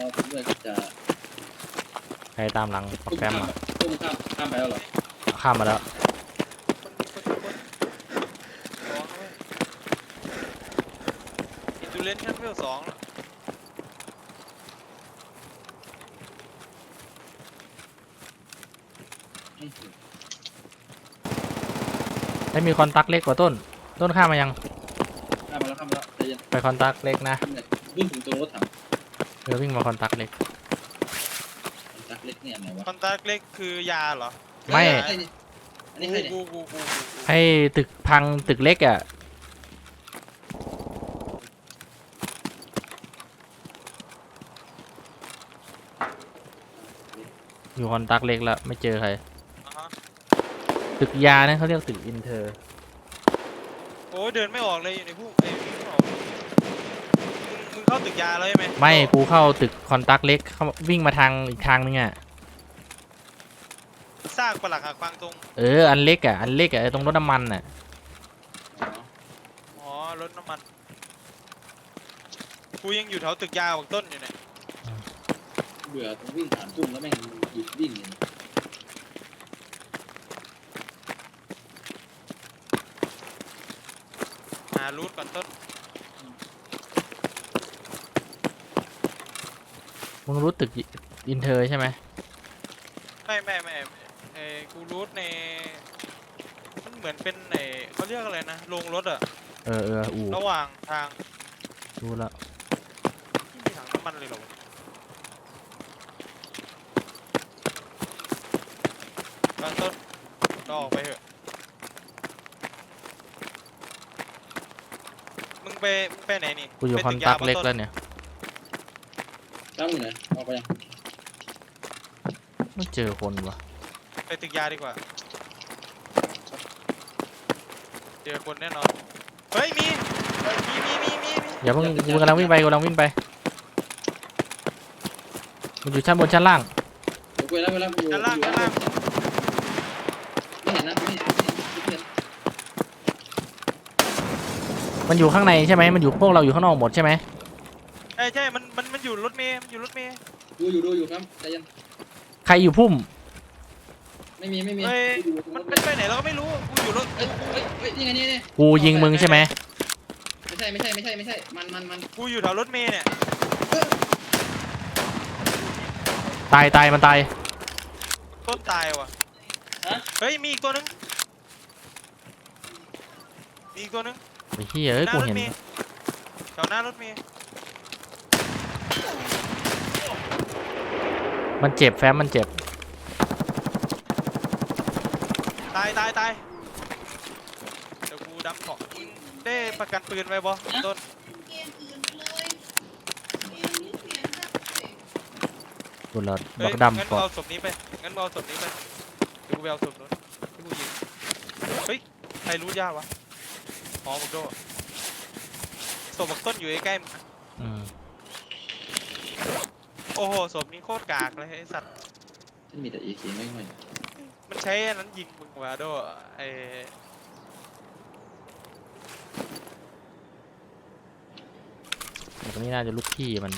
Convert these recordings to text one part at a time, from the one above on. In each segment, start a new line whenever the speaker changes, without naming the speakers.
ด้วยก็จะ
ใครตามหลังปักแปมอ่ะ
ตุ้มข้ามไปแล้วเหรอ
ข้ามมาแล้ว
ร้องด้วยอินดูเลนชั้นเวล2แล้ว
ให้มีคอนตักเล็กกว่าต้นข้ามมายัง
ข้ามมาแล้วใจเย็น
ไปคอนตักเล็กนะ
วิ่งถึงตรงรถถัง
วิ่งมาคอนตักเล็ก
ตักเล็กเนี่ยไหนวะ
คอนตาเล็กคือยาเหรอ
ไม่
อันนี้ใครเนี่ย
กู
ให้ตึกพังตึกเล็กอ่ะอยู่คอนตักเล็กแล้วไม่เจอใคร
อ่าฮะ
ตึกยาเนี่ยเขาเรียกตึกอินเตอร์
โอ้ยเดินไม่ออกเลยอยู่ในพวกไอ้วิ่งไม่ออกมึงเข้าตึกยาแล้วใช่ไหม
ไม่กูเข้าตึกคอนตักเล็กเขาวิ่งมาทางอีกทางนึงอ่ะ
ซากปลักหักฟังตรง
อันเล็กอ่ะตรงรถน้ำมันอ่ะ
อ๋อรถน้ำมันกูยังอยู่แถวตึกยาบักต้นอยู่เนี่ย
เบื่อต้องวิ่งผ่านตุ้มแล้วแม่งหยุดวิ่งเนี่ย
หารูทก่อนต้น
มึงรู้ตึกอินเตอร์ใช่ไหม
ไม่กูรูทในมันเหมือนเป็นไอ้เขาเรียกอะไรนะโรงรถอะ
อู่
ระหว่างทาง
รู้แล้ว
ที่มีถังน้ำมันเลยเหรอวะตอนต้นก็ออกไปเถอะมึงไปไหนนี่
กูอยู่คอนตักเล็กแล้วเนี่ย
ตั้งอยู่ไหนออกไปยัง
ไม่เจอคนวะ
ไปตึกยาดีกว่าเจอคนแน่นอนเฮ้ยมี
อย่าเพิ่งกูกำลังวิ่งไปมันอยู่ชั้นบนชั้นล่าง
เดี๋ยวกูไปแล้วอยู่
ด้านล่าง
ไม่เห็นนะไม่เห็น
มันอยู่ข้างในใช่ไหมมันอยู่พวกเราอยู่ข้างนอกหมดใช่ไหม
ใช่มันอยู่รถเมย์ดู
อยู่ครับใจเย็น
ใครอยู่พุ่ม
ไม่มี
เฮ้ยมันไปไหนเราก็ไม่รู้กูอยู่รถ
เอ้ยนี่ไงนี่
กูยิงมึงใช่ไหม
ไม่ใช่มัน
กูอยู่แถวรถเมย์เนี่ย
ตายมันตาย
ต้นตายว่ะเฮ้ยมีอีกตัวนึง
ไอ้เหี้ยกูเห็น
แถวหน้ารถเมย์
มันเจ็บแฟ้มมันเจ็บ
ตายเดี๋ยวกูดับของได้ประกันปืนไว้บ่ต้น
กูรอ
เฮ้
บั
ย
ก
งั้น
ดำ
มึ
ก่
ง
อน
เอาศพนี้ไปเดี๋ยวกูไปเอาศพนู้นที่กูยิงเฮ้ยใครรู้ยากวะอ๋อบุกโดศพบักต้นอยู่ใกล้ๆมึง โอ้โหศพนี้โคตรกากเลยไอ้สัตว์
ฉันมีแต่AKไม่ค่อย
มันใช้อันนั้นยิงมึงว่ะโดไอ
ตรงนี้น่าจะลูกพี่มัน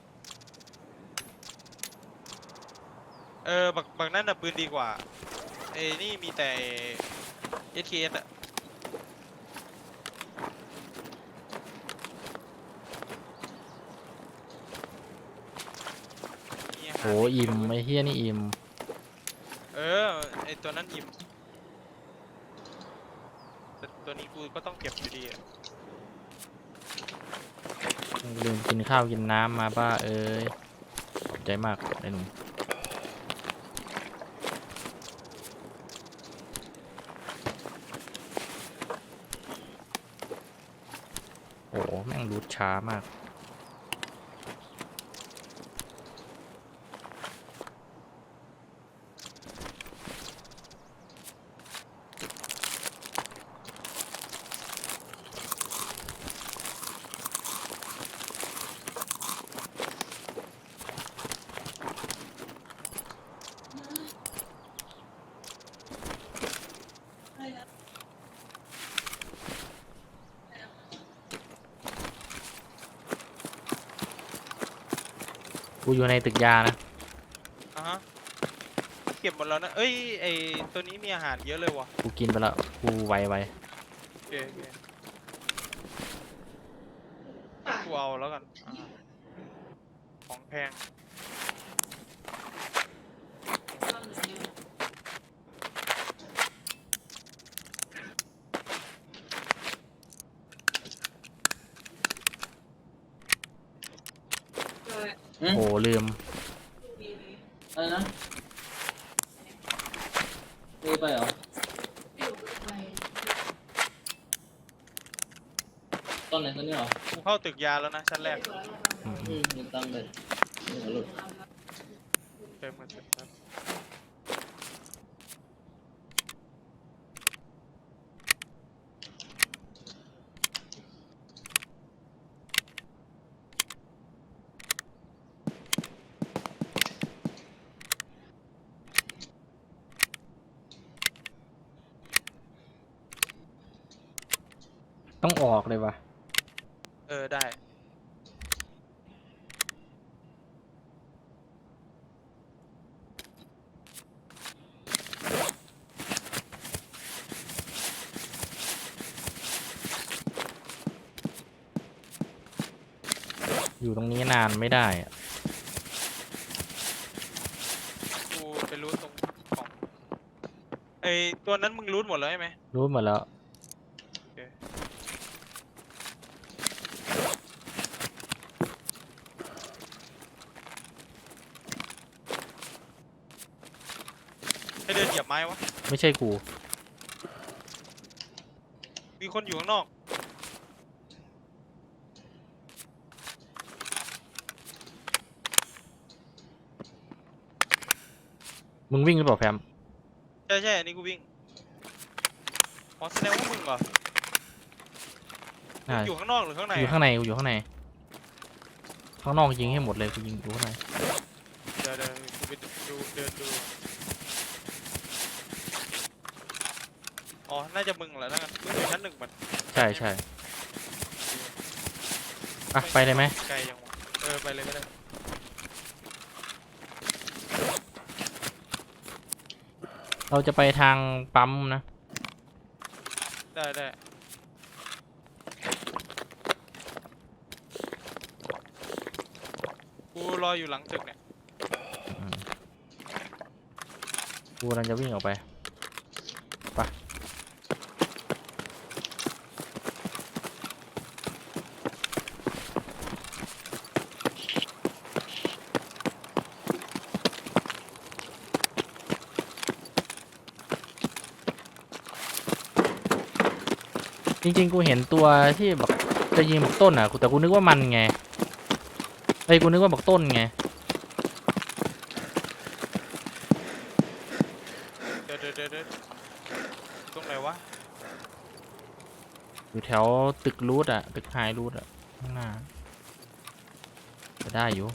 บักนั่นน่ะปืนดีกว่าไอ้นี่มีแต่ SKS อะ
โหอิ่มไอ้เหี้ยนี่อิ่ม
ไอตัวนั้นอิ่มแต่ตัวนี้กูก็ต้องเก็บอยู่ดีอะ
ลืมกินข้าวกินน้ำมาบ้าขอบใจมากไอ้หนุ่มโอ้แม่งรูดช้ามากกูอยู่ในตึกยานะ
อ่ะฮะเก็บหมดแล้วนะเอ้ยไอตัวนี้มีอาหารเยอะเลยว่ะ
กูกินไปแล้วกูไว
โอเคโอเคกูเอาแล้วกันของแพง
โอ้ลืม
อะไรนะไปเหรอตอนไหนตอนนี้เหรอ
กูเข้าตึกยาแล้วนะชั้นแรก
ยืมตังค์เลยหัวหลุด
เติมมาเสร็จครับ
ต้องออกเลยวะ
ได้
อยู่ตรงนี้นานไม่ได้อะ
กูไปรูทตรงของไอตัวนั้นมึงรูทหมดแล้วใช่ไหม
รู้หมดแล้ว
โอเคให้เดินเหยียบไม้วะ
ไม่ใช่กู
มีคนอยู่ข้างนอก
มึงวิ่งหรือเปล่าแฟม
ใช่ใช่อันนี้กูวิ่งอ๋อแสดงว่ามึงเหรอ
น่า
อยู่ข้างนอกหรือข้างใน
อยู่ข้างในกูอยู่ข้างใน ข้างนอกยิงให้หมดเลยกูยิงอยู่ข้างใน
เดี๋ยวกูไปดูเดินดูอ๋อน่าจะมึงแหละนั่นกันมึงอยู่ชั้นหนึ่งมัน
ใช่ใช่อ่ะไปเลยไหม
ไกลยังวะไปเลยก็ได้
เราจะไปทางปั๊มนะ
ได้กูรออยู่หลังตึกเนี่ย
กูกำลังจะวิ่งออกไปไปจริงๆกูเห็นตัวที่แบบจะยิงบักต้นอ่ะแต่กูนึกว่ามันไงกูนึกว่าบักต้นไง
เดี๋ยวตรงไหนวะ
อยู่แถวตึกรูทอ่ะตึกไฮรูทอ่ะข้างหน้าจะได้อยู่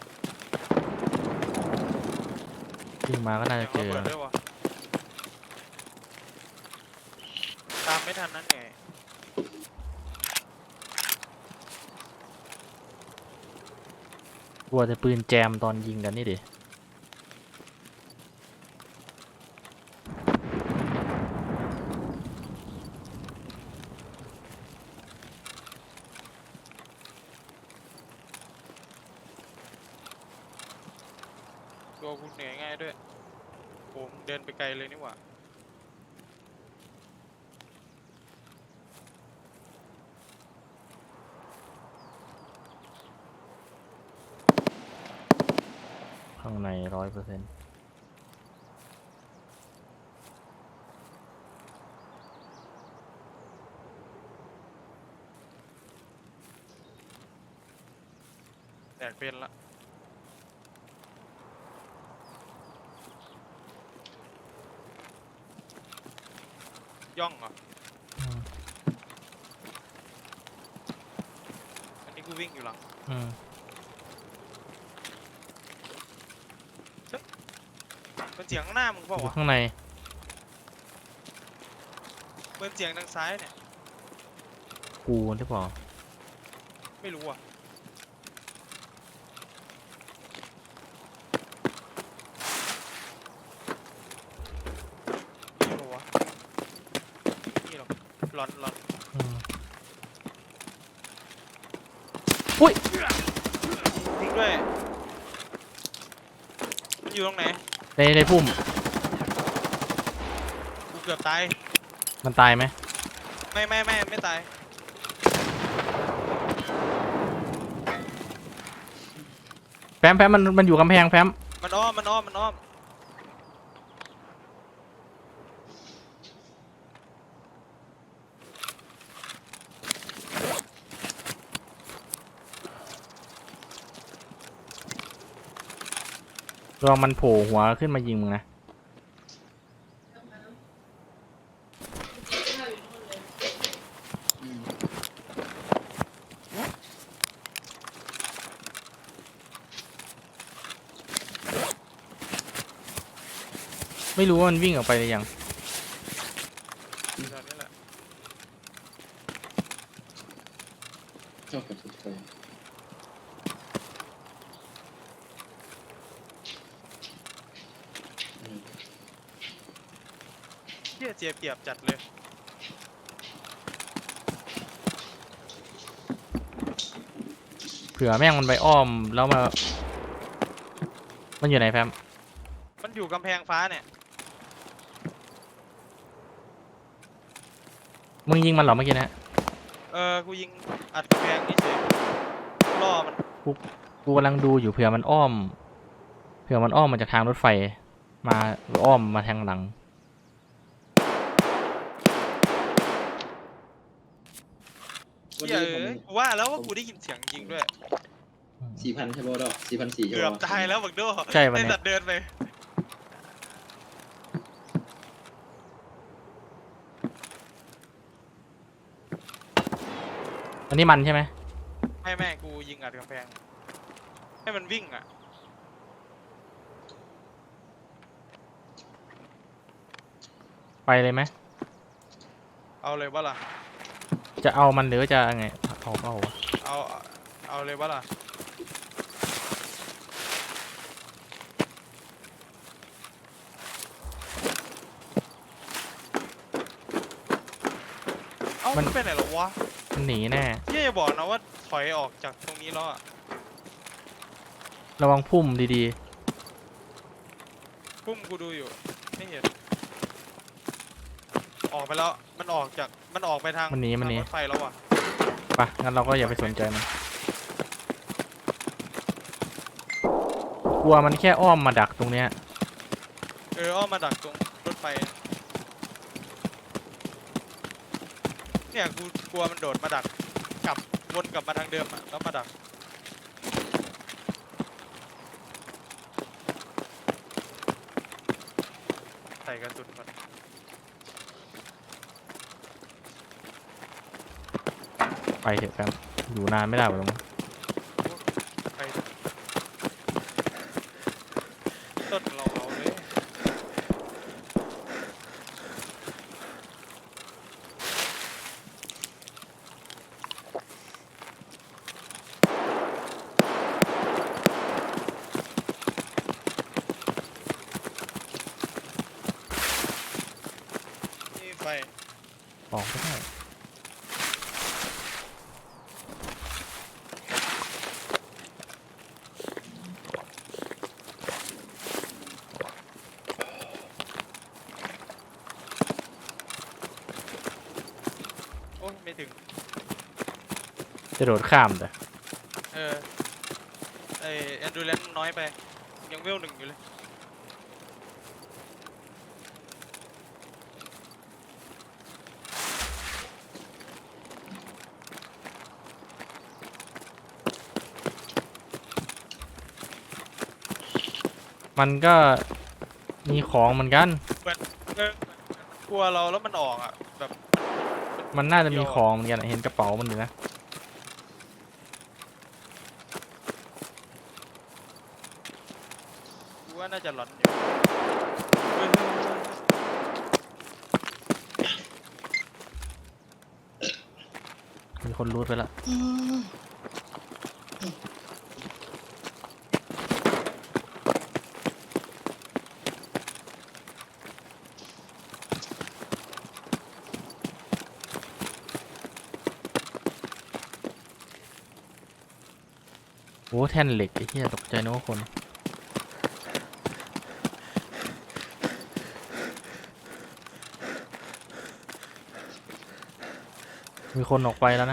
วิ่งมาก็น่าจะเจอ
เปิดด้วยวะตามไม่ทันนั่นไง
กลัวจะปืนแจมตอนยิงกันนี่ดิ
ตัวกูเหนื่อยง่ายด้วยโอ้มึงเดินไปไกลเลยนี่หว่า
ข้างใน100%
แดกเป็นละย่องเหรออันนี้กูวิ่งอยู่หลัง มันเสียงข้างหน้ามึงเปล่า
อยู่
วะ
ข้างใน
เหมือนเสียงทางซ้ายเนี่ย
กูหรือเปล่า
ไม่รู้อ่ะหลอนหลอน
อืมอุ้ย
จริงด้วยมันอยู่ตรงไหน
ในพุ่ม
กูเกือบตาย
มันตายไหม
ไม่ตาย
แฟมมันอยู่กำแพงแฟม
มันอ้อม
ลองมันโผล่หัวขึ้นมายิงมึงนะ
อืม
ไม่รู้ว่ามันวิ่งออกไปหรือยัง
ตอนนี้แหละ
ชอบกับทุกคนอืม
เหี้ยเจียบเกียบจัดเลย
เผื่อแม่งมันไปอ้อมแล้วมา มันอยู่ไหนแฟม
มันอยู่กำแพงฟ้าเนี่ย
มึงยิงมันเหรอเมื่อกี้นะ
กูยิงอัดกำแพงนี่เฉยล่อมัน
กูกำลังดูอยู่เผื่อมันอ้อมมาจากทางรถไฟ มาหรืออ้อมมาทางหลัง
วัน
เหี้ย
นี้ผม
กูว่าแล้วว่ากูได้ยินเสียงยิงด้วย
4,000ใช่ป่ะดอก4,400ใช่
เกือบ
ป่ะ
ตายแล้วบักโด
ใช่ปะเนี่ย
ไอ้สัตว์เดินไป
อันนี้มันใช่ไหม
แม่กูยิงอัดกำแพงให้มันวิ่งอ่ะ
ไปเลยไหม
เอาเลยว่าล่ะ
จะเอามันหรือจะไงเอาวะ
เอาเลยว่าล่ะมันไปไหนหรอวะ
มันหนีแน่
เหี้ยอย่าบอกนะว่าถอยออกจากตรงนี้แล้วอะ
ระวังพุ่มดี
พุ่มกูดูอยู่ไม่เห็นออกไปแล้วมันออกไปทาง
มันหนี
ทางรถไฟแล้วอ่ะ
ๆปะงั้นเราก็อย่าไปสนใจมัน กลัวมันแค่อ้อมมาดักตรงเนี้ย
อ้อมมาดักตรงรถไฟเนี่ยกูกลัวมันโดดมาดักกลับวนกลับมาทางเดิมอ่ะแล้วมาดักใส่กระสุนก่อน
ไปเถอะแฟมอยู่นานไม่ได้หรอกมั้ง
ไปต้นเราเอาเลยนี่ไฟ
ออกไม่ได้
โอ้ยไม่ถึง
จะโดดข้ามแต่
ไอแอนดูเลนน้อยไปยังเวล 1อยู่เลย
มันก็มีของเหมือนกัน
เออกลัวเราแล้วมันออกอ่ะแบบ
มันน่าจะมีของเหมือนกันอะเห็นกระเป๋ามันอยู่นะ
กูว่าน่าจะหลอนอยู่เฮ้ย
มีคนรูดไปละโอ้แท่นเหล็กไอ้เหี้ยตกใจนึกว่าคน มีคนออกไปแล้วนะ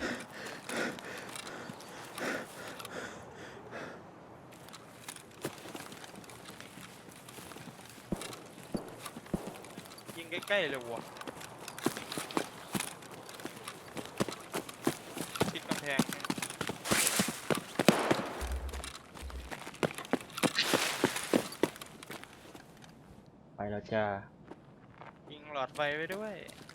ยิงใกล้ๆเลยว่ะชิดกำแพงเนี่ย
ไปแล้วจ้า
ยิงหลอดไฟไว้ด้วย